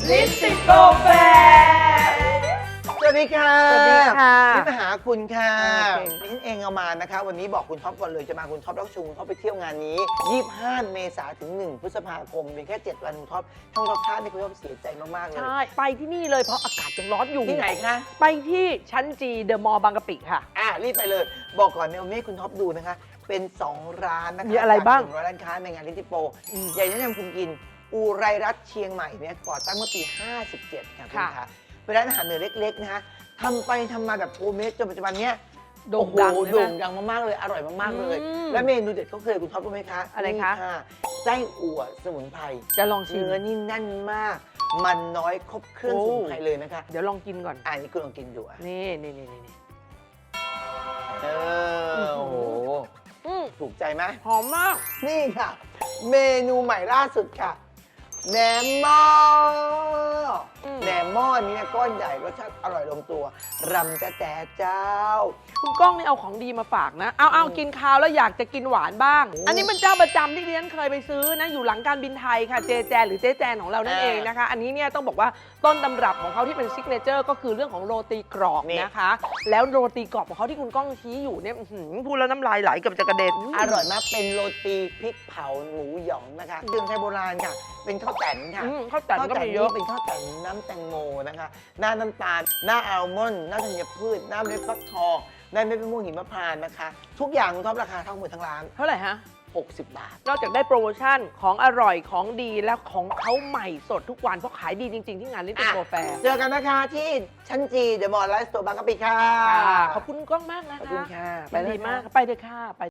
ลิปติดโกแฟสวัสดีค่ะสวัสดีค่ะนี่มาหาคุณค่ะโอเคนี่ฉันเองเอามานะคะ วันนี้บอกคุณท็อปก่อนเลยจะมาคุณท็อปแล้วชูคุณท็อปไปเที่ยวงานนี้ 25 เมษายนถึง 1 พฤษภาคมเพียงแค่ 7 วันคุณท็อปทั้งรอบข้างที่คุณท็อปเสียใจมากๆเลยใช่ไปที่นี่เลยเพราะอากาศยังร้อนอยู่ที่ไหนคะไปที่ชั้นจีเดอะมอลล์บางกะปิค่ะรีบไปเลย บอกก่อนเนี่ยวันนี้คุณท็อปดูนะคะ เป็น 2 ร้านนะคะมีอะไรบ้างจาก100ร้านค้าในงานลิติโปอืมอยากแนะนำคุณกินอูไรรัตน์เชียงใหม่เนี่ยก่อตั้งเมื่อปี 57 ค่ะคุณค่ะคะเป็นร้านอาหารเหนือเล็กๆนะคะทำไปทำมาแบบโฮมเมดจนปัจจุบันเนี้ยโด่งดังโอ้โหใช่ไหมโด่งดังมากๆเลย อร่อยมากๆเลยอืมและเมนูเด็ดเขาเคยคุณท็อปรู้ไหมคะอะไรคะนี่ไส้อั่วสมุนไพรจะลองชิมเนื้อนี่แน่นมาก มันน้อยครบเครื่องโอ้สมุนไพรเลยนะคะเดี๋ยวลองกินก่อนอันนี้คุณลองกินดูอ่ะนี่เออโอ้โหอืมถูกใจไหมหอมมากนี่ค่ะ เมนูใหม่ล่าสุดค่ะแหนมหม้ออมแหนมหม้อนี้เนี่ยก้อนใหญ่รสชาติอร่อยลงตัวรำแต่เจ้าคุณก้องนี่เอาของดีมาฝากนะ เอากินข้าวแล้วอยากจะกินหวานบ้างโอ้อันนี้เป็นเจ้าประจำที่ดิฉันเคยไปซื้อนะ อยู่หลังการบินไทยค่ะ เจแจนหรือเจ๊แจนของเรานั่นเองนะคะ อันนี้เนี่ยต้องบอกว่าต้นตำรับของเขาที่เป็นซิกเนเจอร์ก็คือเรื่องของโรตีกรอบนะคะ แล้วโรตีกรอบของเขาที่คุณก้องชี้อยู่เนี่ยอื้อหือพูดแล้วน้ำลายไหลเกับจะกระเด็นอร่อยมากเป็นโรตีพริกเผาหมูหยองนะคะเครื่องไทยโบราณค่ะ เป็นข้าวแต่นค่ะข้าวแต่นก็มีเยอะนี่เป็นข้าวแต่นน้ำแตงโมนะคะ หน้าน้ำตาล หน้าอัลมอนด์หน้าธัญพืช หน้าเมล็ดฟักทองหน้าเม็ดมะม่วงหิมพานต์นะคะ ทุกอย่างคุณท็อปราคาทั้งหมดทั้งร้านเท่าไหร่ฮะ 60 บาทนอกจากได้โปรโมชั่นของอร่อยของดีและของเขาใหม่สดทุกวันเพราะขายดีจริง ๆ ที่งานลิตเติ้ลโกแฟร์เจอกันนะคะที่ชั้นจีเดอะมอลล์ไลฟ์สโตร์บางกะปิค่ะขอบคุณก้องมากนะขอบคะคุณค่ะไปดีมากไปเลยค่ะไป